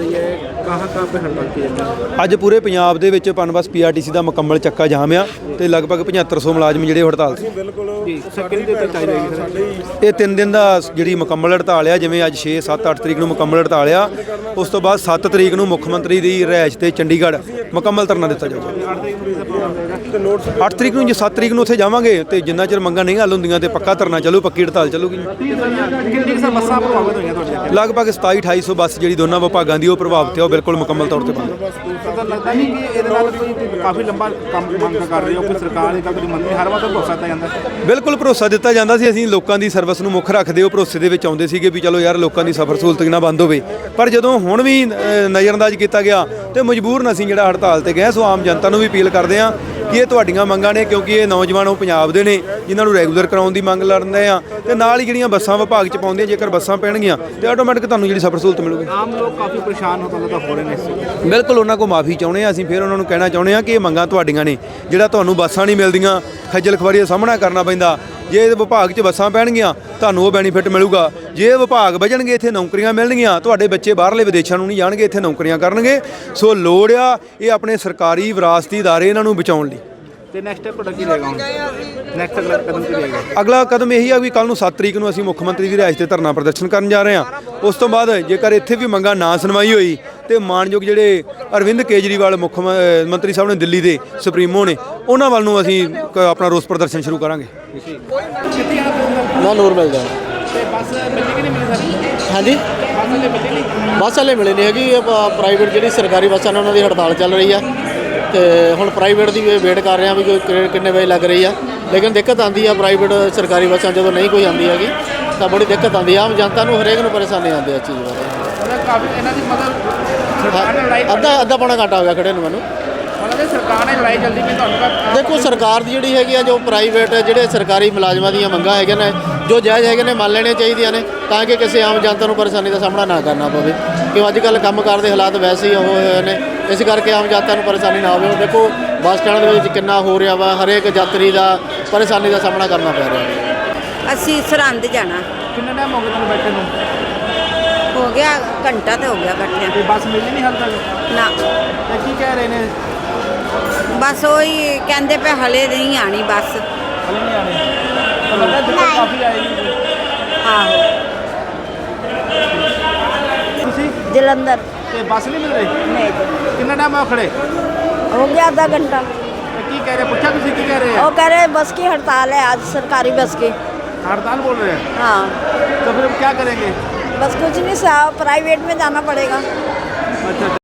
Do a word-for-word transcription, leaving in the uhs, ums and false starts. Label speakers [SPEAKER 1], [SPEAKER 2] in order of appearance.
[SPEAKER 1] रही है, कहाँ कहाँ पे हड़ताल की जाती है?
[SPEAKER 2] ਅੱਜ ਪੂਰੇ ਪੰਜਾਬ ਦੇ ਵਿੱਚ ਪਨਬਸ ਪੀਆਰਟੀਸੀ ਦਾ ਮੁਕੰਮਲ ਚੱਕਾ ਜਾਮ ਆ ਤੇ ਲਗਭਗ ਪਝੱਤਰ ਸੌ ਮੁਲਾਜ਼ਮ ਜਿਹੜੇ ਹੜਤਾਲ ਸੀ।
[SPEAKER 1] जी सर कितनी देर तक जारी रहेगी सर?
[SPEAKER 2] ਇਹ ਤਿੰਨ ਦਿਨ ਦਾ ਜਿਹੜੀ ਮੁਕੰਮਲ ਹੜਤਾਲ ਆ, ਜਿਵੇਂ ਅੱਜ ਛੇ ਸੱਤ ਅੱਠ ਤਰੀਕ ਨੂੰ ਮੁਕੰਮਲ ਹੜਤਾਲ ਆ, ਉਸ ਤੋਂ ਬਾਅਦ ਸੱਤ ਤਰੀਕ ਨੂੰ ਮੁੱਖ ਮੰਤਰੀ ਦੀ ਰਿਹਾਇਸ਼ ਤੇ ਚੰਡੀਗੜ੍ਹ ਮੁਕੰਮਲ ਧਰਨਾ ਦਿੱਤਾ ਜਾਊਗਾ। ਅੱਠ ਤਰੀਕ ਨੂੰ ਜੇ ਸੱਤ ਤਰੀਕ ਨੂੰ ਉੱਥੇ ਜਾਵਾਂਗੇ ਤੇ ਜਿੰਨਾ ਚਿਰ ਮੰਗਾਂ ਨਹੀਂ ਹੱਲ ਹੁੰਦੀਆਂ ਤੇ ਪੱਕਾ ਧਰਨਾ ਚੱਲੂ, ਪੱਕੀ ਹੜਤਾਲ ਚੱਲੂਗੀ।
[SPEAKER 1] कितनी सर बसा प्रभावित हुई हैं?
[SPEAKER 2] ਲਗਭਗ ਸਤਾਈ ਅਠਾਈ ਸੌ ਬੱਸ ਜਿਹੜੀ ਦੋਨਾਂ ਵਿਭਾਗਾਂ ਦੀ ਉਹ ਪ੍ਰਭਾਵਿਤ ਹੈ, ਉਹ ਬਿਲਕੁਲ ਮੁਕੰਮਲ ਤੌਰ ਤੇ ਬੰਦ।
[SPEAKER 1] सर लगता नहीं कि ਇਹਦੇ ਨਾਲ ਕੋਈ ਕਾਫੀ ਲੰਬਾ ਕੰਮ ਮੰਗ ਕਰ ਰਹੀ ਹੋ ਕਿ ਸਰਕਾਰ ਇਹ ਕਦੀ ਮੰਤਰੀ ਹਰ ਵਾਰ ਤਾਂ ਭਰੋਸਾ ਦਿੱਤਾ ਜਾਂਦਾ?
[SPEAKER 2] ਬਿਲਕੁਲ ਭਰੋਸਾ ਦਿੱਤਾ ਜਾਂਦਾ ਸੀ। ਅਸੀਂ ਲੋਕਾਂ ਦੀ ਸਰਵਿਸ ਨੂੰ ਮੁੱਖ ਰੱਖਦੇ ਉਹ ਭਰੋਸੇ ਦੇ ਵਿੱਚ ਆਉਂਦੇ ਸੀਗੇ ਵੀ ਚਲੋ ਯਾਰ ਲੋਕਾਂ ਦੀ ਸਫ਼ਰ ਸਹੂਲਤ ਨਾ ਬੰਦ ਹੋਵੇ। ਪਰ ਜਦੋਂ ਹੁਣ ਵੀ ਨਜ਼ਰਅੰਦਾਜ਼ ਕੀਤਾ ਗਿਆ ਤੇ ਮਜਬੂਰਨ ਅਸੀਂ ਜਿਹੜਾ ਹੜਤਾਲ ਤੇ ਗਏ। ਸੋ ਆਮ ਜਨਤਾ ਨੂੰ ਵੀ ਅਪੀਲ ਕਰਦੇ ਹਾਂ ਕਿ ਇਹ ਤੁਹਾਡੀਆਂ ਮੰਗਾਂ ਨੇ, ਕਿਉਂਕਿ ਇਹ ਨੌਜਵਾਨ ਉਹ ਪੰਜਾਬ ਦੇ ਨੇ ਜਿਨ੍ਹਾਂ ਨੂੰ ਰੈਗੂਲਰ ਕਰਾਉਣ ਦੀ ਮੰਗ ਲੜਦੇ ਆ ਤੇ ਨਾਲ ਹੀ ਜਿਹੜੀਆਂ ਬੱਸਾਂ ਵਿਭਾਗ 'ਚ ਪਾਉਂਦੀਆਂ, ਜੇਕਰ ਬੱਸਾਂ ਪੈਣਗੀਆਂ ਤੇ ਆਟੋਮੈਟਿਕ ਤੁਹਾਨੂੰ ਜਿਹੜੀ ਸਫ਼ਰ ਸਹੂਲਤ ਮਿਲੂਗੀ।
[SPEAKER 1] ਆਮ ਲੋਕ ਕਾਫੀ ਪਰੇਸ਼ਾਨ ਹੋ ਤਾਂ ਹੋ ਰਹੇ ਨੇ ਇਸ
[SPEAKER 2] ਬਿਲਕੁਲ ਉਹਨਾਂ ਕੋਲ ਮਾਫੀ ਚਾਹੁੰਦੇ ਹਾਂ ਅਸੀਂ। ਫਿਰ ਉਹਨਾਂ ਨੂੰ ਕਹਿਣਾ ਚਾਹੁੰਦੇ ਹਾਂ ਕਿ ਇਹ ਮੰਗਾਂ ਤੁਹਾਡੀਆਂ ਨੇ, ਜਿਹੜਾ ਤੁਹਾਨੂੰ ਬੱਸਾਂ ਨਹੀਂ ਮਿਲਦੀਆਂ, ਖੱਜਲ ਖੁਆਰੀ ਦਾ ਸਾਹਮਣਾ ਕਰਨਾ ਪੈਂਦਾ। ਜੇ ਵਿਭਾਗ 'ਚ ਬੱਸਾਂ ਪੈਣਗੀਆਂ ਤੁਹਾਨੂੰ ਉਹ ਬੈਨੀਫਿਟ ਮਿਲੂਗਾ। ਜੇ ਵਿਭਾਗ ਵਜਣਗੇ ਇੱਥੇ ਨੌਕਰੀਆਂ ਮਿਲਣਗੀਆਂ, ਤੁਹਾਡੇ ਬੱਚੇ ਬਾਹਰਲੇ ਵਿਦੇਸ਼ਾਂ ਨੂੰ ਨਹੀਂ ਜਾਣਗੇ, ਇੱਥੇ ਨੌਕਰੀਆਂ ਕਰਨਗੇ। ਸੋ ਲੋੜ ਆ ਇਹ ਆਪਣੇ ਸਰਕਾਰੀ ਵਿਰਾਸਤੀ ਅਦਾਰੇ ਇਹਨਾਂ ਨੂੰ ਬਚਾਉਣ ਲਈ।
[SPEAKER 1] ਤੇ ਨੈਕਸਟ ਸਟੈਪ ਤੁਹਾਡਾ ਕੀ ਰਹੇਗਾ ਹੁਣ? ਨੈਕਸਟ ਅਗਲਾ ਕਦਮ ਕੀ ਰਹੇਗਾ?
[SPEAKER 2] ਅਗਲਾ ਕਦਮ ਇਹੀ ਆ ਵੀ ਕੱਲ ਨੂੰ ਸੱਤ ਤਰੀਕ ਨੂੰ ਅਸੀਂ ਮੁੱਖ ਮੰਤਰੀ ਦੀ ਰਿਹਾਇਸ਼ ਤੇ ਧਰਨਾ ਪ੍ਰਦਰਸ਼ਨ ਕਰਨ ਜਾ ਰਹੇ ਹਾਂ। ਉਸ ਤੋਂ ਬਾਅਦ ਜੇਕਰ ਇੱਥੇ ਵੀ ਮੰਗਾਂ ਨਾ ਸੁਣਵਾਈ ਹੋਈ ਤੇ ਮਾਨਯੋਗ ਜਿਹੜੇ ਅਰਵਿੰਦ ਕੇਜਰੀਵਾਲ ਮੁੱਖ ਮੰਤਰੀ ਸਾਹਿਬ ਨੇ ਦਿੱਲੀ ਦੇ ਸੁਪਰੀਮੋ ਨੇ, ਉਹਨਾਂ ਵੱਲ ਨੂੰ ਅਸੀਂ ਆਪਣਾ ਰੋਸ ਪ੍ਰਦਰਸ਼ਨ ਸ਼ੁਰੂ ਕਰਾਂਗੇ।
[SPEAKER 3] ਨਾ ਨੂਰ ਮਿਲ ਜਾਣਾ
[SPEAKER 1] ਤੇ ਬੱਸ ਮਿਲਣੀ ਕਿ ਨਹੀਂ ਮਿਲੀ ਸਾਰੀ?
[SPEAKER 3] ਹਾਂਜੀ
[SPEAKER 1] ਬੱਸ ਹਲੇ ਮਿਲੀ ਨਹੀਂ?
[SPEAKER 3] ਬੱਸ ਹਲੇ ਮਿਲੀ ਨਹੀਂ ਹੈਗੀ। ਪ੍ਰਾਈਵੇਟ ਜਿਹੜੀ ਸਰਕਾਰੀ ਬੱਸਾਂ ਨੇ ਉਹਨਾਂ ਦੀ ਹੜਤਾਲ ਚੱਲ ਰਹੀ ਆ ਤੇ ਹੁਣ ਪ੍ਰਾਈਵੇਟ ਦੀ ਵੇਟ ਕਰ ਰਹੇ ਹਾਂ ਵੀ ਕੋਈ ਕਿੰਨੇ ਵਜੇ ਲੱਗ ਰਹੀ ਆ। ਲੇਕਿਨ ਦਿੱਕਤ ਆਉਂਦੀ ਆ ਪ੍ਰਾਈਵੇਟ ਸਰਕਾਰੀ ਬੱਸਾਂ ਜਦੋਂ ਨਹੀਂ ਕੋਈ ਆਉਂਦੀ ਹੈਗੀ ਤਾਂ ਬੜੀ ਦਿੱਕਤ ਆਉਂਦੀ ਆ। ਆਮ ਜਨਤਾ ਨੂੰ ਹਰੇਕ ਨੂੰ ਪਰੇਸ਼ਾਨੀ ਆਉਂਦੀ ਆ ਇਸ ਚੀਜ਼ ਬਾਰੇ।
[SPEAKER 1] ਮਤਲਬ ਕਾਫੀ ਇਹਨਾਂ ਦੀ ਮਤਲਬ ਸਰਕਾਰ ਨੇ ਲੜਾਈ
[SPEAKER 3] ਅੱਧਾ ਅੱਧਾ ਪੌਣਾ ਘੰਟਾ ਹੋ ਗਿਆ ਖੜੇ ਨੂੰ ਮੈਨੂੰ।
[SPEAKER 1] ਮਤਲਬ ਸਰਕਾਰ ਨੇ ਲੜਾਈ ਜਲਦੀ ਵੀ ਤੁਹਾਨੂੰ ਤਾਂ
[SPEAKER 3] ਦੇਖੋ ਸਰਕਾਰ ਦੀ ਜਿਹੜੀ ਹੈਗੀ ਆ, ਜੋ ਪ੍ਰਾਈਵੇਟ ਜਿਹੜੇ ਸਰਕਾਰੀ ਮੁਲਾਜ਼ਮਾਂ ਦੀਆਂ ਮੰਗਾਂ ਹੈਗੀਆਂ ਨੇ ਜੋ ਜਾਇਜ਼ ਹੈਗੇ ਨੇ ਮੰਨ ਲੈਣੀਆਂ ਚਾਹੀਦੀਆਂ ਨੇ, ਤਾਂ ਕਿ ਕਿਸੇ ਆਮ ਜਨਤਾ ਨੂੰ ਪਰੇਸ਼ਾਨੀ ਦਾ ਸਾਹਮਣਾ ਨਾ ਕਰਨਾ ਪਵੇ। ਕਿਉਂ ਅੱਜ ਕੱਲ੍ਹ ਕੰਮਕਾਰ ਦੇ ਹਾਲਾਤ ਵੈਸੇ ਹੀ ਹੋਏ ਹੋਏ ਨੇ, ਇਸ ਕਰਕੇ ਆਮ ਜਨਤਾ ਨੂੰ ਪਰੇਸ਼ਾਨੀ ਨਾ ਹੋਵੇ। ਦੇਖੋ ਬੱਸ ਸਟੈਂਡ ਦੇ ਵਿੱਚ ਕਿੰਨਾ ਹੋ ਰਿਹਾ ਵਾ, ਹਰੇਕ ਯਾਤਰੀ ਦਾ ਪਰੇਸ਼ਾਨੀ ਦਾ ਸਾਹਮਣਾ ਕਰਨਾ ਪੈ ਰਿਹਾ।
[SPEAKER 4] ਅਸੀਂ ਸਰਹੰਦ ਜਾਣਾ।
[SPEAKER 1] ਕਿੰਨਾ ਟਾਈਮ ਹੋ ਗਿਆ ਤੁਹਾਨੂੰ ਬੈਠੇ ਨੂੰ?
[SPEAKER 4] ਹੋ ਗਿਆ ਘੰਟਾ ਤੇ ਹੋ ਗਿਆ ਬੈਠਿਆਂ
[SPEAKER 1] ਤੇ ਬੱਸ ਮਿਲੀ ਨਹੀਂ ਹਾਲ ਤੱਕ?
[SPEAKER 4] ਨਾ
[SPEAKER 1] ਤੇ ਕੀ ਕਹਿ ਰਹੇ ਨੇ?
[SPEAKER 4] ਬਸ ਉਹੀ ਕਹਿੰਦੇ ਪਏ ਹਲੇ ਨਹੀਂ ਆਣੀ ਬੱਸ।
[SPEAKER 1] ਹਲੇ ਨਹੀਂ ਆਣੇ? ਤਾਂ ਲੱਗਦਾ ਦਿੱਕਤ ਕਾਫੀ ਆਏਗੀ।
[SPEAKER 4] ਆਹੋ
[SPEAKER 1] ਤੁਸੀਂ
[SPEAKER 4] ਜਲੰਧਰ
[SPEAKER 1] ਤੇ ਬੱਸ ਨਹੀਂ ਮਿਲ ਰਹੀ?
[SPEAKER 4] ਨਹੀਂ
[SPEAKER 1] ਕਿੰਨਾ ਟਾਈਮ ਹੋ ਖੜੇ?
[SPEAKER 4] हो गया आधा घंटा।
[SPEAKER 1] ਤੇ ਕੀ ਕਹਿ ਰਹੇ? ਪੁੱਛਿਆ ਤੁਸੀਂ ਕੀ ਕਹਿ ਰਹੇ
[SPEAKER 4] वो
[SPEAKER 1] ਆ?
[SPEAKER 4] कह रहे बस की हड़ताल है आज, सरकारी बस की।
[SPEAKER 1] हड़ताल बोल रहे हैं?
[SPEAKER 4] हाँ
[SPEAKER 1] तो फिर हम क्या करेंगे?
[SPEAKER 4] बस कुछ नहीं, सा प्राइवेट में जाना पड़ेगा।
[SPEAKER 1] अच्छा।